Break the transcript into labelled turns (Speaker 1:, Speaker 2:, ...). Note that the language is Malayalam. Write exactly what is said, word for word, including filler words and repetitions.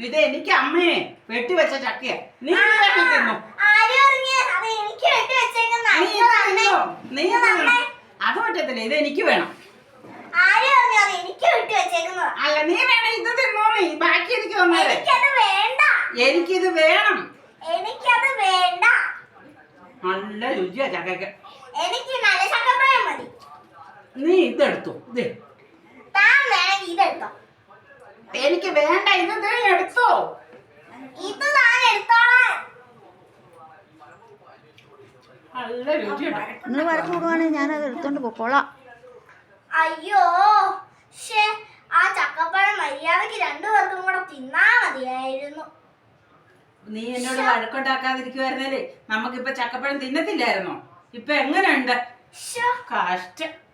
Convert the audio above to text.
Speaker 1: ഇത് എനിക്ക് അമ്മയെ വെട്ടിവെച്ച ചക്കയാ. നീ തിന്നു. നീ അത് പറ്റത്തില്ല, ഇത് എനിക്ക് വേണം. അല്ല നീ വേണം ഇത് തിന്നോളൂ. ബാക്കി എനിക്ക് തന്നേരെ. എനിക്കിത് വേണം.
Speaker 2: എനിക്കത് വേണ്ട.
Speaker 1: നല്ല രുചിയാ ചക്കയ്ക്ക്.
Speaker 2: എനിക്ക് നല്ല ചക്കപ്പഴം മതി.
Speaker 1: നീ ഇതെടുത്തു.
Speaker 2: താൻ വേണമെങ്കിൽ ഇതെടുത്തോ.
Speaker 1: എനിക്ക് വേണ്ട. ഇത് നീ എടുത്തോ.
Speaker 2: ഇത് താൻ എടുത്തോളാം.
Speaker 1: നല്ല രുചിയുണ്ട്.
Speaker 3: നിങ്ങൾ വഴക്ക് കൂടുവാണെങ്കിൽ ഞാനത് എടുത്തോണ്ട് പോക്കോളാം.
Speaker 2: അയ്യോ ശേ, ആ ചക്കപ്പഴം മര്യാദക്ക് രണ്ടു പേർക്കും കൂടെ തിന്നാ മതിയായിരുന്നു.
Speaker 1: നീ എന്നോട് വഴക്കുണ്ടാക്കാതിരിക്കുവായിരുന്നല്ലേ നമുക്കിപ്പൊ ചക്കപ്പഴം തിന്നത്തില്ലായിരുന്നോ? ഇപ്പൊ എങ്ങനെയുണ്ട്? കഷ്ടം.